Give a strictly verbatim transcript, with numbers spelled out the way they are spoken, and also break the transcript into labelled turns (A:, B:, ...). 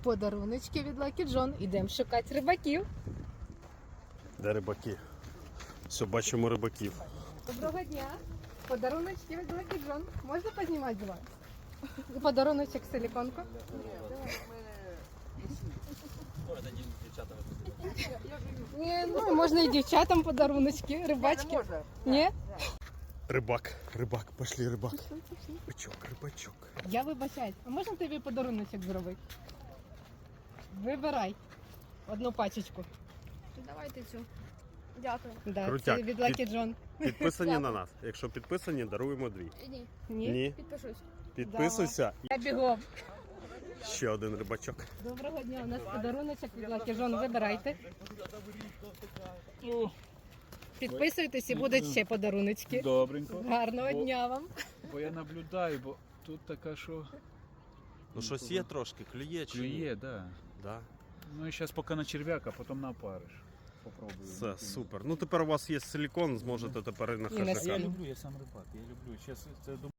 A: Подаруночки від Lucky John. Ідемо шукати рибаків.
B: Де рибаки? Все, бачимо рибаків.
A: Доброго дня. Подаруночки від Lucky John. Можна познімати з вас? Подаруночок силіконку. Ні, ну можна і дівчатам подаруночки, рибачки. Ні?
B: Рибак, рибак, пошли, рибак. Рибачок, рибачок.
A: Я вибачаюсь. А можна тобі подаруночок зробити? Вибирай одну пачечку.
C: Давайте цю. Дякую.
A: Да,
B: Крутяк.
A: це від Lucky John.
B: Підписані на нас. Якщо підписані, даруємо дві.
C: Ні,
A: Ні?
B: Ні.
C: підпишусь.
B: Підписуйся.
A: Я бігом.
B: Ще один рибачок.
A: Доброго дня, у нас подаруночок від Lucky John. Вибирайте. Підписуйтесь і будуть ще подаруночки.
D: Добренько.
A: Гарного
D: Бо-
A: дня вам.
D: Бо я наблюдаю, бо тут така, що
B: Ну щось є трошки, клює чи ні?
D: клює, да.
B: Да.
D: Ну і зараз поки на черв'яка, потім на опариш. Попробую.
B: Все, супер. Ну тепер у вас є силікон, зможете тепер і на
A: І на
B: хижака.
A: сіль.
D: люблю, я сам рибак, я люблю. Зараз це